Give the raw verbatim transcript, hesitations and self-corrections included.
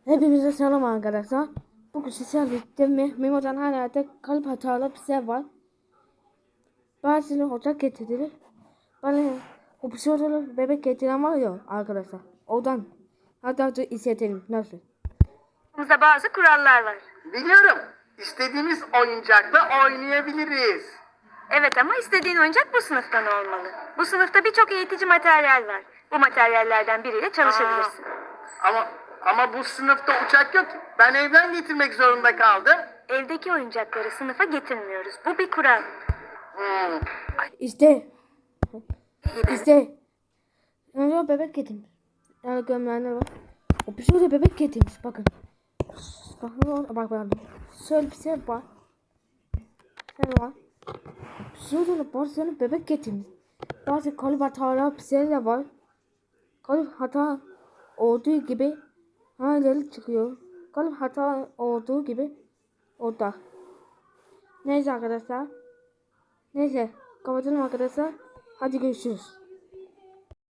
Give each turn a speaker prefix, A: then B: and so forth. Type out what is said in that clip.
A: Hepinize selam arkadaşlar. Bugün sizlerle birlikte Memo'dan hala kalıp hatalı bir şey var. Bazıları ocak getirdi. Bana o psikodalı bebek getiren var ya arkadaşlar. Oradan hatta da izletelim nasıl.
B: Aramızda bazı kurallar var.
C: Biliyorum. İstediğimiz oyuncakla oynayabiliriz.
B: Evet ama istediğin oyuncak bu sınıftan olmalı. Bu sınıfta birçok eğitici materyal var. Bu materyallerden biriyle çalışabilirsin.
C: Ama ama bu sınıfta uçak yok ki. Ben evden getirmek zorunda kaldım.
B: Evdeki oyuncakları sınıfa getirmiyoruz. Bu bir kural.
C: Hmm.
A: İşte. İşte. Yani bebek getirmiş. Yani gömleğine var. O psikodalı bebek getirmiş bakın. Bakın bak bak. Şöyle bir şey var. Ne var? Psikodalı bazıları bebek getirmiş. Bazı kalıp hatalı bir şey de var. Kalıp hata olduğu gibi halileri çıkıyor. Kalıp hata olduğu gibi orada. Neyse arkadaşlar. Neyse kapatalım arkadaşlar. Hadi görüşürüz.